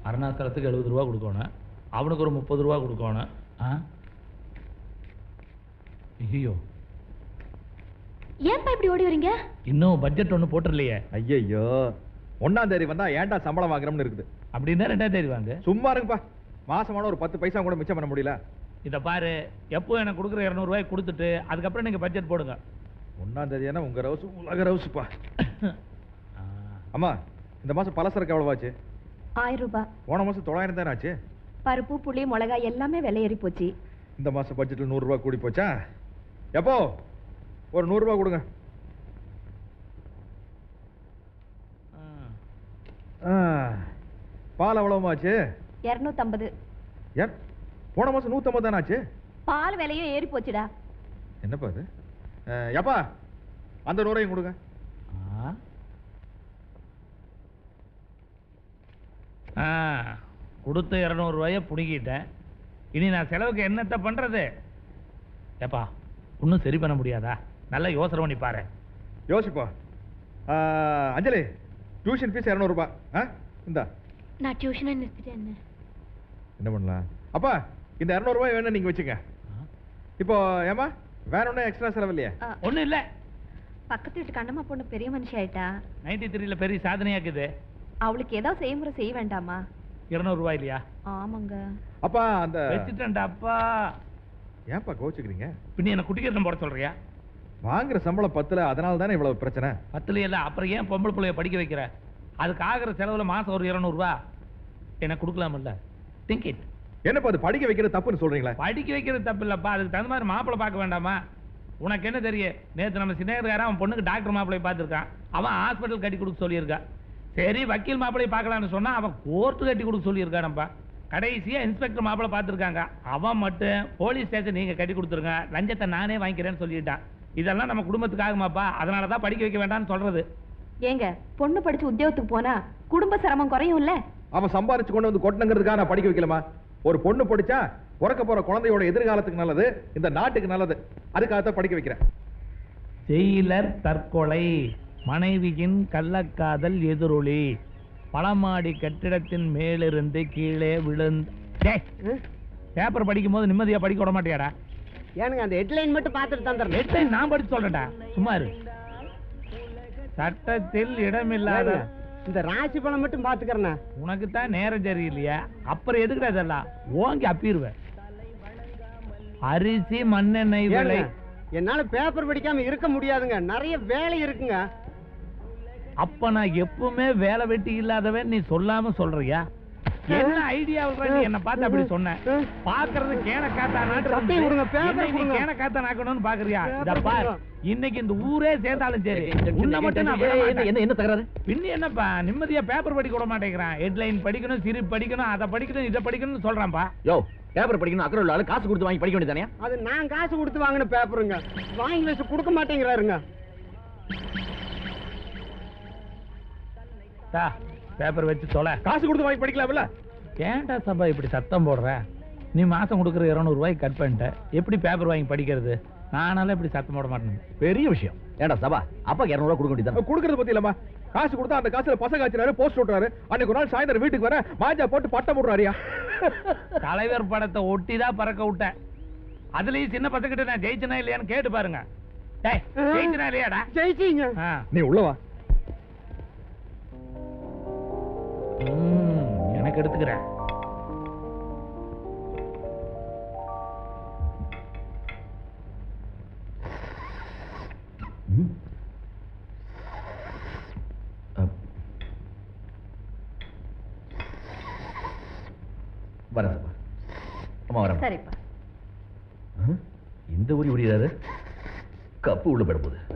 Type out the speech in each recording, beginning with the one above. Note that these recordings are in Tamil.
அருணாச்சலத்துக்கு 70 ரூபா கொடுக்கணும், அவனுக்கு ஒரு 30 ரூபா கொடுக்கணும். ஐயோ, ஏன்பா இப்படி ஓடி வரீங்க? இன்னும் பட்ஜெட் ஒண்ணு போட்டுறலையே. ஐயோ, 1ஆம் தேதி வந்தா ஏன்டா சம்பளம் வாங்குறோம்னு இருக்குது. அப்படின்னா 2ஆம் தேதி வாங்க. சும்மா இருங்கப்பா, மாசமான ஒரு 10 பைசா கூட மிச்சம் பண்ண முடியல. இதை பாரு, எப்போ எனக்கு கொடுக்குற 200 ரூபாய் கொடுத்துட்டு அதுக்கப்புறம் நீங்க பட்ஜெட் போடுங்க. 1ஆம் தேதி என்ன உங்க ரவுசு உலக ரவுசுப்பா. அம்மா, இந்த மாசம் பலசரக்கு எவ்வளவு ஆச்சு? 1000 ரூபாய். போன மாசம் 900 தானே ஆச்சு. பருப்பு, புளி, மிளகாய் எல்லாமே விலை ஏறி போச்சு. இந்த மாசம் பட்ஜெட்ல 100 ரூபாய் கூடி போச்சா? எப்போ ஒரு 100 ரூபாய் கொடுங்க. பால் எவ்வளவு ஆச்சு? 250. ஏன் போன மாசம் 150 தானே ஆச்சு? பால் விலையும் ஏறி போச்சுடா. என்னப்பா இது? எப்பா அந்த 100 கொடுங்க. கொடுத்த 200 ரூபாயை புடுங்கிட்டேன். இனி நான் செலவுக்கு என்னத்தை பண்றது? ஏப்பா, ஒன்றும் சரி பண்ண முடியாதா? நல்லா யோசனை பண்ணி பாரு. யோசிப்பா. அஞ்சலி, டியூஷன் ஃபீஸ் 200 ரூபாய். இந்தா. நான் டியூஷனை நிறுத்திட்டேன். என்ன பண்ணலாம்? அப்பா, இந்த 200 ரூபாய் வேணும் நீங்க வச்சுங்க. இப்போ ஏமா வேற ஒன்றும் எக்ஸ்ட்ரா செலவு இல்லையா? ஒன்றும் இல்லை. பக்கத்து வீட்டு கண்ணம்மா பொண்ணு பெரிய மனுஷி ஆயிட்டா. 93ல பெரிய சாதனையாக்குது. அவளுக்கு ஏதாவது செய்முறை செய்ய வேண்டாமா? 200 ரூபாய் இல்லையா? ஆமாங்க. அப்பா அந்த வச்சுட்டேன்டா. அப்பா ஏன்பா கோச்சுக்கிறீங்க? பின்ன என்ன குட்டிக்கிறதும் போட சொல்றியா? வாங்குற சம்பளம் 10ல, அதனால தானே இவ்வளவு பிரச்சனை. 10ல இல்ல, அப்புறம் ஏன் பொம்பளை பிள்ளைய படிக்க வைக்கிற? அதுக்கு ஆகிற செலவுல மாசம் ஒரு 200 ரூபாய் எனக்கு கொடுக்கலாம்ல? Think it. என்னப்பா அது படிக்க வைக்கிறது தப்புன்னு சொல்றீங்களா? படிக்க வைக்கிறது தப்பு இல்லப்பா, அதுக்கு தகுந்த மாதிரி மாப்பிள்ளை பார்க்க வேண்டாமா? உனக்கு என்ன தெரியும்? நேற்று நம்ம சின்னக்காரன் அவன் பொண்ணுக்கு டாக்டர் மாப்பிள்ளை பார்த்துருக்கான். அவன் ஹாஸ்பிட்டல் கட்டி கொடுக்க சொல்லியிருக்கான். சரி, வக்கீல் மாப்பிள்ளை பார்க்கலான்னு சொன்னா அவன் கோர்ட்டு கட்டி கொடுக்க சொல்லியிருக்கானப்பா. கடைசியா இன்ஸ்பெக்டர் மாப்பிள்ளை பார்த்துருக்காங்க. அவன் மட்டும் போலீஸ் ஸ்டேஷன் நீங்க கட்டி கொடுத்துருங்க, லஞ்சத்தை நானே வாங்கிக்கிறேன்னு சொல்லிட்டான். இதெல்லாம் நம்ம குடும்பத்துக்கு ஆகுமாப்பா? அதனாலதான் படிக்க வைக்க வேண்டாம்னு சொல்றது. ஏங்க, பொண்ணு படிச்சு உத்தியோகத்துக்கு போனா குடும்ப சிரமம் குறையும் இல்ல? அவன் சம்பாரிச்சு கொண்டு வந்து கொட்டணுங்கிறதுக்காக நான் படிக்க வைக்கலாமா? ஒரு பொண்ணு படிச்சா பிறக்க போற குழந்தையோட எதிர்காலத்துக்கு நல்லது, இந்த நாட்டுக்கு நல்லது. அதுக்காகத்தான் படிக்க வைக்கிறேன். ஜெயிலர் தற்கொலை, மனைவியின் கள்ளக்காதல் எதிரொலி, பழமாடி கட்டிடத்தின் மேலிருந்து கீழே விழுந்த. பேப்பர் படிக்கும் போது நிம்மதியா படிக்க விட மாட்டியாடா? ஏனுங்க அந்த ஹெட்லைன் மட்டும் பார்த்துட்டு தந்துடுறேன். ஹெட்லைன் நான் படிச்சு சொல்றேன்டா, சும்மா இரு. சட்டத்தில் இடமில்லாத இந்த ராசி பணம் மட்டும் பாத்துக்கிறேன். உனக்கு தான் நேரம் சரியில்லையா? அப்புறம் எதுக்குடா இதெல்லாம்? ஓங்கி அப்பிடுவேன். அரிசி மண்ணெண்ணெய் விலை. என்னால பேப்பர் படிக்காம இருக்க முடியாதுங்க, நிறைய வேலை இருக்குங்க. அப்ப நான் எப்பவுமே வேலை வெட்டி இல்லாதவன் நீ சொல்லாம சொல்றியா? என்ன ஐடியா நீ என்ன பார்த்து அப்படி சொன்ன? பாக்குறது கேன காத்தா நாக்கணும்னு பாக்குறியா? இன்னைக்கு இந்த ஊரே சேர்ந்தாலும் சரி, உன்னை மட்டும் என்ன தகராறு? பின்ன என்னப்பா, நிம்மதியா பேப்பர் படிக்க விட மாட்டேங்கிறான். ஹெட்லைன் படிக்கணும், சிரி படிக்கணும், அதை படிக்கணும், இதை படிக்கணும்னு சொல்றான்பா. யோ, பேப்பர் படிக்கணும் அக்கறை உள்ள காசு கொடுத்து வாங்கி படிக்க வேண்டியதானே? அது நான் காசு கொடுத்து வாங்கின பேப்பருங்க, வாங்கி வச்சு கொடுக்க மாட்டேங்கிறாருங்க. பேப்பர் வச்சு தொலை. காசு கொடுத்து வாங்கி படிக்கலாம்ல? ஏன்டா சபா இப்படி சத்தம் போடுற? நீ மாசம் கொடுக்குற 200 ரூபாய்க்கு கட் பண்ணிட்ட, எப்படி பேப்பர் வாங்கி படிக்கிறது? நானால இப்படி சத்தம் போட மாட்டேன். பெரிய விஷயம். ஏன்டா சபா, அப்பா 200 ரூபாய் கொடுக்க வேண்டியது. கொடுக்கறது பத்தி இல்லம்மா, காசு கொடுத்தா அந்த காசுல பசங்க ஆச்சுறாரு, போஸ்ட் ஓட்டுறாரு. அன்னைக்கு ஒரு நாள் சாயந்தரம் வீட்டுக்கு வர மாஜா போட்டு பட்டம் போடுறாரியா. தலைவர் படத்தை ஒட்டிதான் பறக்க விட்டேன். அதுலயும் சின்ன பசங்கிட்ட நான் ஜெயிச்சனா இல்லையான்னு கேட்டு பாருங்க. ஜெயிச்சனா இல்லையாடா? ஜெயிச்சீங்க. நீ உள்ளவா? எனக்கு எடுத்துக்கிறேன். வரப்பா அம்மா வர. சரிப்பா. இந்த ஊரி உரியாரு கப்பு உள்ள போயிட போகுது.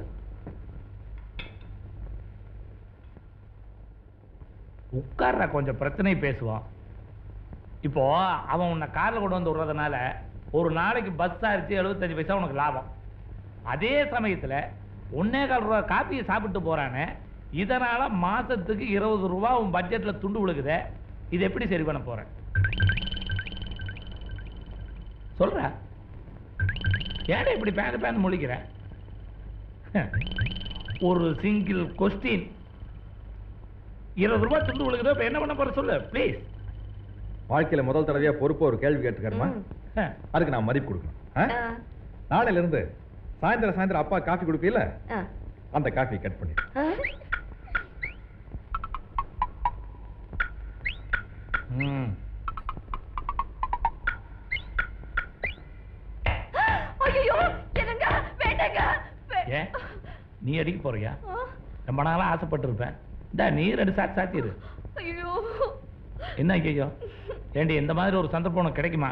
உட்கார்ற, கொஞ்சம் பிரச்சனை பேசுவான். இப்போ அவன் உன்னை கார்ல கொண்டு வந்து விடுறதுனால ஒரு நாளைக்கு பஸ் சார்ஜ் 75 பைசா உனக்கு லாபம். அதே சமயத்துல 1.25 ரூபா காப்பியை சாப்பிட்டு போறானே, இதனால மாசத்துக்கு 20 ரூபா உன் பட்ஜெட்ல துண்டு விழுகுதே. இது எப்படி சரி பண்ண போற? சொல்ற. ஏடா இப்படி பேந்து முழிக்கிற? ஒரு சிங்கிள் கொஸ்டின், 20 ரூபாய் துண்டு விழுகுதோ, இப்ப என்ன பண்ண போற சொல்லு ப்ளீஸ். வாழ்க்கையில முதல் தடவையா பொறுப்பு ஒரு கேள்வி கேட்டுக்காருமா. அதுக்கு நான் மதிப்பு கொடுக்கணும். நாளையில இருந்து சாயந்தரம் அப்பா காஃபி குடிப்பீல, அந்த காஃபி கட் பண்ணி. நீ அடிக்க போறியா? ரொம்ப நாளா ஆசைப்பட்டு இருப்பேன். நீ 2 சாத்தி சாத்திரு. என்ன ஐயோ ஏண்டி, இந்த மாதிரி ஒரு சந்தர்ப்பம் உனக்கு கிடைக்குமா?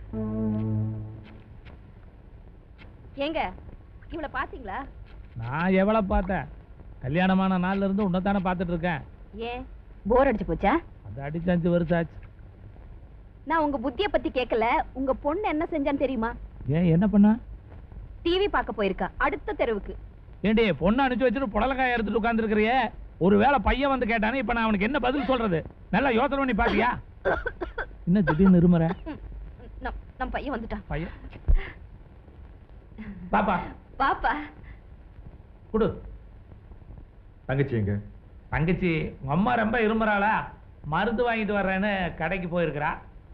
ஏங்க இவளை பாத்தீங்களா? நான் எவ்வளவு பார்த்தேன்? கல்யாணமான நாள்ல இருந்து உன்னதானே பார்த்துட்டு இருக்கேன். ஏன் போர் அடிச்சு போச்சா? அது அடிச்சு 5 வருஷம் ஆச்சு. நான் உங்க புத்திய பத்தி கேட்கல. உங்க பொண்ணு என்ன செஞ்சான்னு தெரியுமா? ஏன் என்ன பண்ணா? டிவி பார்க்க போயிருக்கா அடுத்த தெருவுக்கு. ஏண்டி பொண்ணு அனுப்பிச்சு வச்சுட்டு புடலக்காய் எடுத்துட்டு உட்கார்ந்து இருக்கிறியே, ஒருவேளை பையன் வந்து கேட்டானே, இப்ப நான் அவனுக்கு என்ன பதில் சொல்றது? நல்லா யோசனை பண்ணி பாத்தியா? என்ன திடீர்னு இருமுற? நம்ம பையன் வந்துட்டான். பையன் பாப்பா பாப்பா குடு. தங்கச்சி எங்க? தங்கச்சி உங்க அம்மா ரொம்ப இருமுறாளா, மருந்து வாங்கிட்டு வர்றேன்னு கடைக்கு போயிருக்கிறா.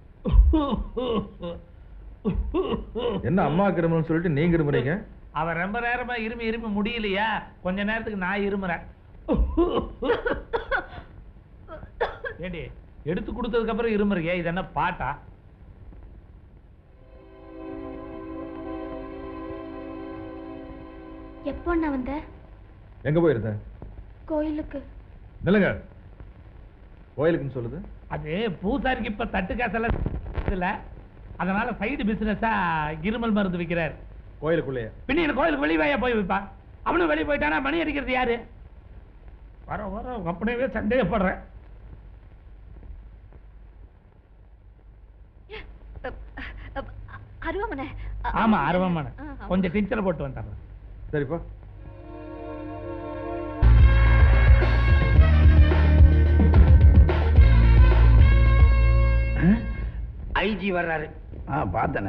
என்ன அம்மாவுக்கு இருமுன்னு சொல்லிட்டு நீங்க இருமுறீங்க? அவ ரொம்ப நேரமா இருமி முடியலையா, கொஞ்ச நேரத்துக்கு நான் இருமுறேன். ஏண்டி எடுத்து கொடுத்ததுக்கு அப்புறம் இருமுறியே, இது என்ன பாட்டா? எப்போ நான் வந்த? எங்க போயிருந்த? கோயிலுக்கு. நில்லுங்க. கோயிலுக்குன்னு சொல்லுது? அது பூசாரிக்கு இப்ப தட்டு காசெல்லாம் இல்ல, அதனால சைடு பிசினஸா இருமல் மருந்து விற்கிறார். கோயிலுக்குள்ளேயே? பின்ன கோயிலுக்கு வெளியே போய் வைப்பா. அவனும் வெளியே போயிட்டானா மணி அடிக்கிறது யாரு? வர அப்படியே சந்தேகப்படுறேன். அருவமனை. ஆமா அருவமனை. கொஞ்சம் டீச்சரை போட்டு வந்துடுறேன். சரிப்பா. ஐஜி வர்றாரு. பார்த்தனே.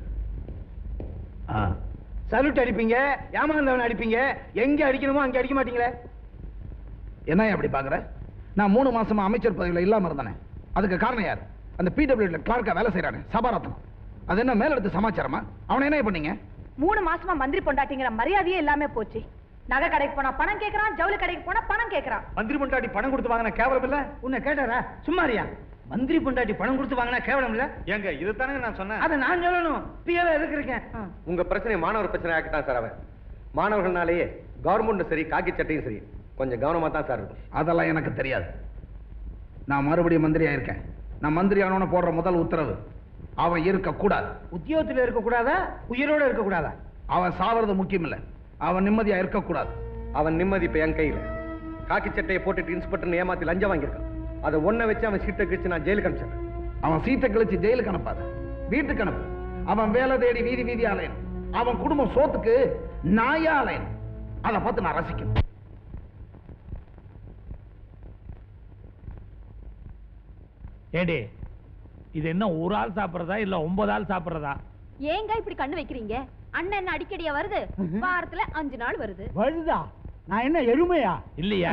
சல்யூட் அடிப்பீங்க, ஏமாந்தவன் அடிப்பீங்க, எங்க அடிக்கணுமோ அங்க அடிக்க மாட்டீங்களே. என்ன அப்படி பாக்குற? நான் 3 மாசமா அமைச்சர் பதவியில் இல்லாம இருந்தேனே, அதுக்கு காரணம் யார்? அந்த பிடபிள்யூல கிளார்க்கா வேலை செய்யறானே சபாரத்னம். அது என்ன மேல எடுத்து சமாச்சாரமா? அவனை என்ன பண்ணீங்க? 3 மாசமா மந்திரி பொண்டாட்டிங்கிற மரியாதையே இல்லாம போச்சு. நகை கடைக்கு போனா பணம் கேட்கறான், ஜவுளி கடைக்கு போனா பணம் கேட்கறான். மந்திரி பொண்டாட்டி பணம் கொடுத்து வாங்கினா கேவலம் இல்ல? உன்னை கேட்டாரா? சும்மாரியா? மந்திரி பொண்டாட்டி பணம் கொடுத்து வாங்கினா கேவலம் இல்ல? ஏங்க இதுதானே நான் சொன்னேன். அதை நான் சொல்லணும். பிஏவே எதுக்கு? உங்க பிரச்சனை மாணவர் பிரச்சனை ஆக்கிட்டான் சார். அவன் மாணவர்கள்னாலேயே கவர்மெண்ட் சரி காக்கி சட்டையும் சரி கொஞ்சம் கவனமா தான் சார் இருக்கும். அதெல்லாம் எனக்கு தெரியாது. நான் மறுபடியும் மந்திரி ஆயிருக்கேன். நான் மந்திரி ஆனவன போடுற முதல் உத்தரவு, அவன் இருக்க கூடாது. உத்தியோகத்தில் இருக்க கூடாதா? உயிரோட இருக்க கூடாதா? அவன் சாவறது முக்கியம் இல்ல, அவன் நிம்மதியா இருக்க கூடாது. அவன் நிம்மதி இப்ப என் கையில. காக்கி சட்டையை போட்டுட்டு இன்ஸ்பெக்டர் ஏமாத்தி லஞ்சம் வாங்கியிருக்கான். அதை ஒன்ன வச்சு அவன் சீட்டை கிழிச்சு நான் ஜெயிலுக்கு அனுப்பிச்சேன். அவன் சீட்டை கிழிச்சு ஜெயிலுக்கு அனுப்பாத, வீட்டுக்கு அனுப்பு. அவன் வேலை தேடி வீதி வீதி அலையணும். அவன் குடும்பம் சோத்துக்கு நாயா அலையணும். அதை பார்த்து நான் ரசிக்கணும். ஏடி இது என்ன ஒரு ஆள் சாப்பிடுறதா இல்ல 9 ஆள் சாப்பிடுறதா? ஏங்க இப்படி கண்ணு வைக்கிறீங்க? அண்ணன் என்ன அடிக்கடியா வருது? வாரத்துல 5 நாள் வருது. வருதா? நான் என்ன எருமையா? இல்லையா?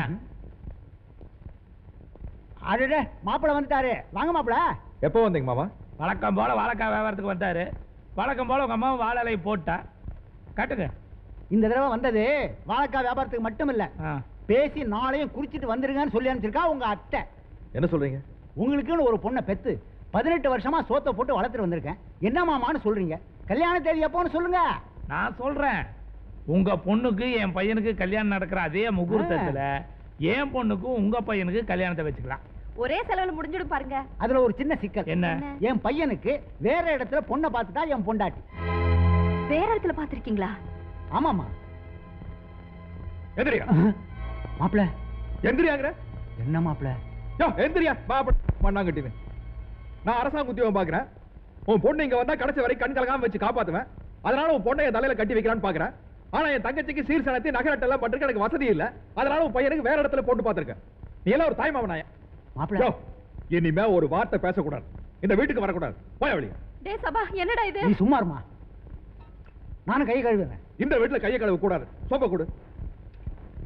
அடடே மாப்பிள வந்துட்டாரு. வாங்க மாப்பிள. எப்போ வந்தீங்க மாமா? வழக்கம் போல வாழைக்காய் வியாபாரத்துக்கு வந்தாரு. வழக்கம் போல உங்க அம்மா வாழலை போட்டா காட்டுங்க. இந்த தடவை வந்தது வாழைக்காய் வியாபாரத்துக்கு மட்டும் இல்ல, பேசி நாளையும் குறிச்சிட்டு வந்துருங்கன்னு சொல்லி அனுப்பிச்சிருக்கா உங்க அத்தை. என்ன சொல்றீங்க? உங்களுக்குன்னு ஒரு பொண்ணை பெத்து 18 வருஷமா சோத்தை போட்டு வளர்த்துட்டு வந்திருக்கேன். என்ன மாமான்னு சொல்றீங்க? கல்யாண தேதி எப்போன்னு சொல்லுங்க. நான் சொல்றேன், உங்க பொண்ணுக்கு என் பையனுக்கு கல்யாணம் நடக்கிற அதே முகூர்த்தத்துல என் பொண்ணுக்கும் உங்க பையனுக்கு கல்யாணத்தை வச்சுக்கலாம். ஒரே செலவுல முடிஞ்சிடும் பாருங்க. அதுல ஒரு சின்ன சிக்கல். என்ன? என் பையனுக்கு வேற இடத்துல பொண்ணை பார்த்துட்டா என் பொண்டாட்டி. வேற இடத்துல பாத்திருக்கீங்களா? ஆமாமா. எந்திரியா மாப்பிள. எந்திரியாங்கிற என்ன மாப்பிள? எந்திரியா மண்ணாங்கட்டின்னு. நான் அரசாங்க உத்தியோகம் பாக்குறேன். உன் பொண்ணு இங்க வந்தா கடைசி வரை கண் கலகாம வச்சு காப்பாத்துவேன். அதனால உன் பொண்ணை என் தலையில கட்டி வைக்கலான்னு பாக்குறேன். ஆனா என் தங்கச்சிக்கு சீர்சனத்தை நகரட்டெல்லாம் பண்றதுக்கு எனக்கு வசதி இல்ல. அதனால உன் பையனுக்கு வேற இடத்துல போட்டு பாத்துருக்கேன். நீ எல்லாம் ஒரு தாய்மாவனாய. மாப்பிள இனிமே ஒரு வார்த்தை பேசக்கூடாது, இந்த வீட்டுக்கு வரக்கூடாது. போய் வழி. டேய் சபா, என்னடா இது? நீ சும்மா இருமா, நானும் கை கழுவுறேன். இந்த வீட்டுல கையை கழுவ கூடாது. சோப்ப கொடு.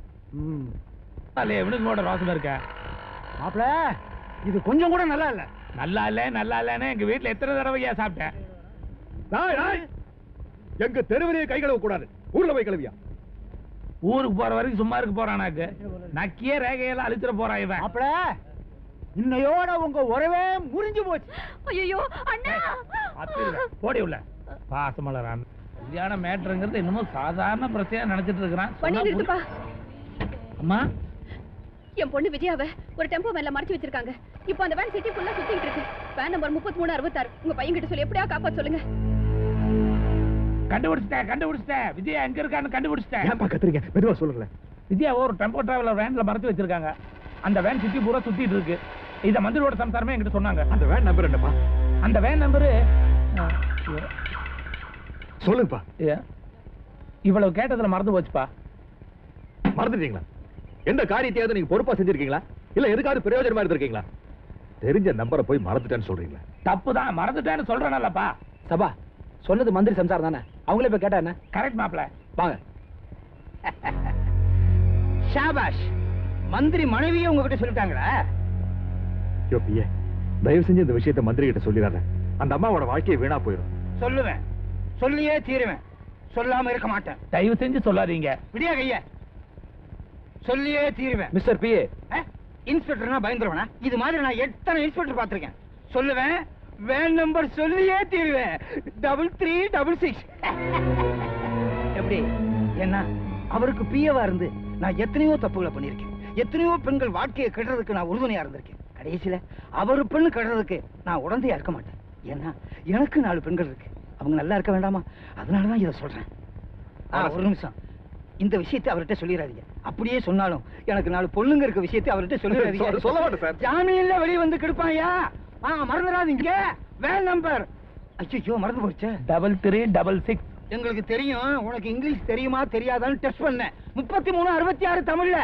இவனுக்கு கூட ரோசம் இருக்க மாப்பிள. இது கொஞ்சம் கூட நல்லா இல்ல. நல்லா இல்லன்னு எங்க வீட்டுல எத்தனை தடவையா சாப்பிட்டேன். எங்க தெருவிலேயே கை கழுவ கூடாது, ஊர்ல போய் கழுவியா? ஊருக்கு போற வரைக்கும் சும்மா இருக்க போறானாக்கு நக்கிய ரேகையெல்லாம் அழிச்சிட போறான் இவன். அப்பட இன்னையோட உங்க உறவே முறிஞ்சு போச்சு. ஐயோ அண்ணா போடி உள்ள பாசமலரான். கல்யாண மேட்டருங்கிறது இன்னமும் சாதாரண பிரச்சனையா நினைச்சிட்டு இருக்கிறான். பண்ணி நிறுத்துப்பா. அம்மா என் பொண்ணு விஜயாவை ஒரு டெம்போ மேல மறைச்சு வச்சிருக்காங்க. இப்போ அந்த வேன் சிட்டி ஃபுல்லா சுத்திட்டு இருக்கு. Van number 3366. உங்க பையன் கிட்ட சொல்லி எப்படியா காப்பாத்த சொல்லுங்க. கண்டுபிடிச்சிட்டேன். விஜயா எங்க இருக்கான்னு கண்டுபிடிச்சிட்டேன். ஏன்பா கத்துறீங்க? மெதுவா சொல்லுங்களேன். விஜயா ஒரு டெம்போ டிராவலர் வேன்ல மறைச்சு வச்சிருக்காங்க. அந்த வேன் சிட்டி பூரா சுத்திட்டு இருக்கு. இத மந்திரியோட சம்சாரமே என்கிட்ட சொன்னாங்க. அந்த வேன் நம்பர் என்னப்பா? அந்த வேன் நம்பரு சொல்லுங்கப்பா. இவ்வளவு கேட்டதுல மறந்து போச்சுப்பா. மறந்துட்டீங்களா? எந்த காரியத்தையாவது நீங்க பொறுப்பா செஞ்சிருக்கீங்களா? இல்ல எதுக்காவது பிரயோஜனமா இருந்திருக்கீங்களா? தெரிஞ்ச நம்பரை போய் மறந்துட்டேன்னு சொல்றீங்களா? தப்புதான், மறந்துட்டேன்னு சொல்றேன்லப்பா. சபா சொன்னது மந்திரி சம்சாரம் தானே, அவங்களே போய் கேட்டா என்ன? கரெக்ட் மாப்ள. வாங்க. ஷாபாஷ், மந்திரி மனைவியே உங்ககிட்ட சொல்லிட்டாங்களா? யோ பிஏ, தயவு செஞ்சு இந்த விஷயத்தை மந்திரி கிட்ட சொல்லிடாத. அந்த அம்மாவோட வாழ்க்கையை வீணா போயிடும். சொல்லுவேன், சொல்லியே தீருவேன். சொல்லாம இருக்க மாட்டேன். தயவு செஞ்சு சொல்லாதீங்க. விடியா கைய, சொல்லியே தீருவேன். மிஸ்டர் பிஏ, இன்ஸ்பெக்டர்னா பயந்துருவனா? இது மாதிரி நான் எத்தனை இன்ஸ்பெக்டர் பார்த்திருக்கேன். சொல்லுவேன், வேன் நம்பர் சொல்லியே தீருவேன். 3366. எப்படி என்ன? அவருக்கு பிஏவா இருந்து நான் எத்தனையோ தப்புகளை பண்ணிருக்கேன். எத்தனையோ பெண்கள் வாழ்க்கையை கெடுறதுக்கு நான் உறுதுணையா இருந்திருக்கேன். கடைசியில அவரு பெண்ணு கெடுறதுக்கு நான் உடந்தையா இருக்க மாட்டேன். ஏன்னா எனக்கு 4 பெண்கள் இருக்கு. அவங்க நல்லா இருக்க வேண்டாமா? அதனாலதான் இதை சொல்றேன். ஒரு நிமிஷம், இந்த விஷயத்தை அவர்கிட்ட சொல்லிடாதீங்க. அப்படியே சொன்னாலும் எனக்கு 4 பொண்ணுங்க இருக்க விஷயத்தை அவர்கிட்ட சொல்லிடாதீங்க. சொல்ல மாட்டேன் சார். ஜாமீன்ல வெளியே வந்து கெடுப்பாயா? மறந்துடாதீங்க. வேன் நம்பர் ஐயோ மறந்து போச்சு. 3366. எங்களுக்கு தெரியும். உனக்கு இங்கிலீஷ் தெரியுமா தெரியாதான்னு டெஸ்ட் பண்ணேன். 3366 தமிழ்ல.